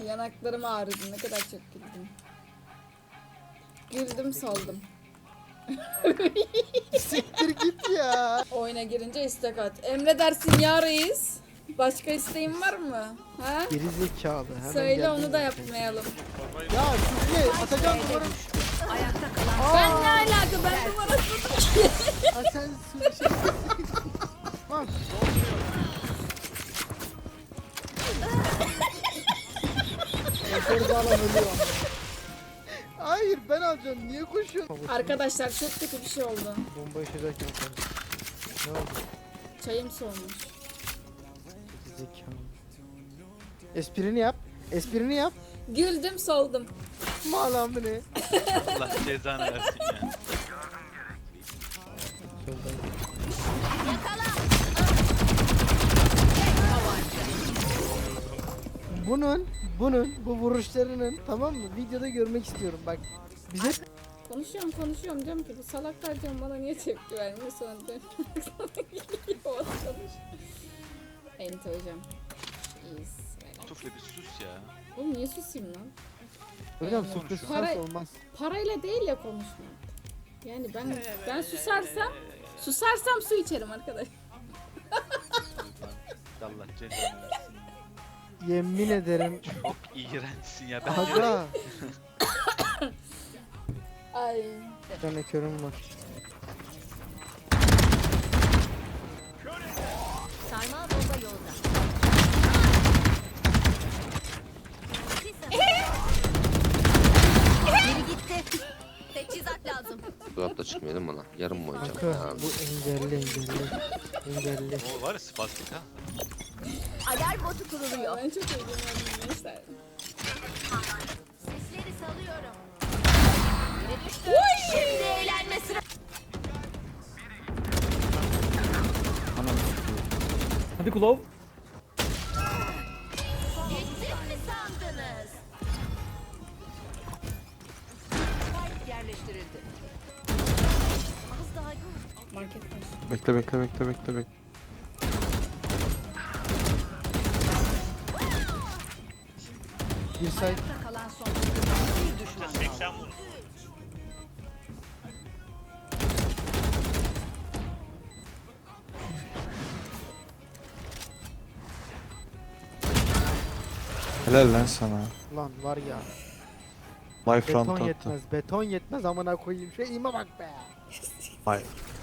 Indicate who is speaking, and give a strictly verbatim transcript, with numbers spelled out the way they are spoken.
Speaker 1: Yanaklarım ağrıdı. Ne kadar çok güldüm. Güldüm saldım.
Speaker 2: Siktir git ya.
Speaker 1: Oyuna girince istek at. Emredersin ya reis. Başka isteğin var mı? Ha?
Speaker 2: Geri zekalı. Hemen
Speaker 1: Söyle
Speaker 2: geldin
Speaker 1: onu da
Speaker 2: zaten.
Speaker 1: yapmayalım.
Speaker 2: Ya Süzge Atacan numara.
Speaker 3: Ayakta kalan
Speaker 1: Ben ne alaka? Ben numarasını
Speaker 2: Ha sen Süzge şey. Bak.
Speaker 4: Motoru bağlan ölüyor.
Speaker 2: Hayır ben alacağım. Niye koşuyorsun?
Speaker 1: Arkadaşlar çok kötü bir şey oldu.
Speaker 2: Bomba yaşarken yaparım. Ne oldu?
Speaker 1: Çayım soğumuş.
Speaker 2: Zekalı. Esprini yap. Esprini yap.
Speaker 1: Güldüm soldum.
Speaker 2: Malam ne?
Speaker 5: Allah cezanı versin ya.
Speaker 2: Bunun, bunun, bu vuruşlarının tamam mı? Videoda görmek istiyorum bak. Bize
Speaker 1: Konuşuyorum konuşuyorum diyorum ki bu salaklar diyorum bana niye tepki vermiyor sonra diyorum. Sana konuş. Enti hocam. İyiyiz.
Speaker 5: Tufle bir sus ya.
Speaker 1: Oğlum niye susayım lan?
Speaker 2: hocam
Speaker 5: Konuşuyor.
Speaker 2: sürpriz
Speaker 1: Para-
Speaker 2: olmaz.
Speaker 1: Parayla değil ya konuşmak. Yani ben ben susarsam susarsam su içerim arkadaş.
Speaker 5: Allah cezanı versin.
Speaker 2: Yemin ederim.
Speaker 5: Çok iğrençsin ya. Ben
Speaker 2: Aga.
Speaker 1: Ay.
Speaker 2: Bir tane körüm var.
Speaker 3: sarmal bomba yolda. Biri gitti. Teçhizat lazım.
Speaker 6: Dolapta çıkmayalım bana. Yarın mı oynayacağım?
Speaker 2: Kanka
Speaker 6: Tamam.
Speaker 2: bu engelli engelli. Engelli.
Speaker 5: o var ya spastik ha.
Speaker 3: Alarm botu kuruluyor.
Speaker 1: Ben çok eğleniyorum gençler.
Speaker 3: Sesleri salıyorum. Biri düştü. Şimdi eğlenme sıra.
Speaker 4: Hadi Kulov.
Speaker 3: Gittim mi sandınız? Yerleştirildi. Az daha yok.
Speaker 1: Market var.
Speaker 6: Bekle bekle bekle bekle bekle.
Speaker 2: Bir say.
Speaker 3: Ayakta kalan son bir düşman kaldı.
Speaker 5: seksen vur.
Speaker 7: Helal lan sana.
Speaker 2: Lan var ya.
Speaker 7: My front
Speaker 2: Beton
Speaker 7: attı.
Speaker 2: yetmez. Beton yetmez amına koyayım. Şey ima bak be.
Speaker 7: Hayır.